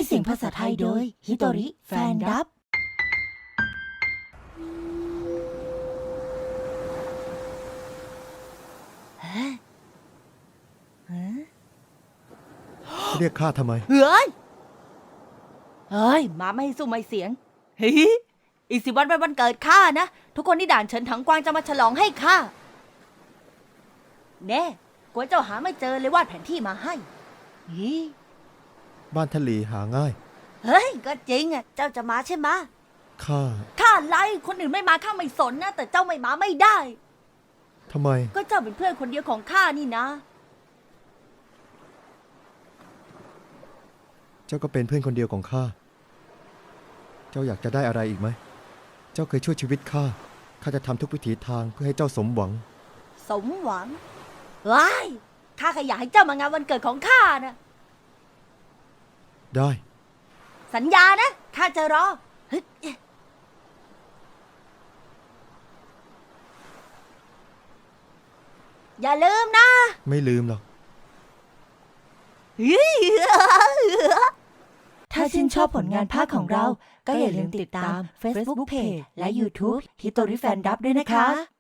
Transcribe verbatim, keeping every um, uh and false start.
เสียงภาษาไทยโดยฮิโตริแฟนดับฮะฮะเรียกข้าทำไมเฮ้ยเฮ้ยมาไม่ให้สู้ไม่เสียงเฮ้ยอีกสิบวันเป็นวันเกิดข้านะทุกคนที่ด่านเฉินถังกวางจะมาฉลองให้ข้าแน่กลัวเจ้าหาไม่เจอเลยวาดแผนที่มาให้ฮิบ้านทะเลหาง่ายเฮ้ยก็จริงอ่ะเจ้าจะมาใช่ไหมะข้าข้าไล่คนอื่นไม่มาข้าไม่สนนะแต่เจ้าไม่มาไม่ได้ทำไมก็เจ้าเป็นเพื่อนคนเดียวของข้านี่นะเจ้าก็เป็นเพื่อนคนเดียวของข้า เจ้าอยากจะได้อะไรอีกไหม เจ้าเคยช่วยชีวิตข้า ข้าจะทำทุกวิถีทางเพื่อให้เจ้าสมหวังสมหวังว้ายข้าแค่อยากให้เจ้ามางานวันเกิดของข้านะได้สัญญานะข้าจะรอฮึดอย่าลืมนะไม่ลืมหรอกถ้าชื่นชอบผลงานภาคของเราก็อย่าลืมติดตาม Facebook Page และ YouTube ฮิโตริแฟนดับด้วยนะคะ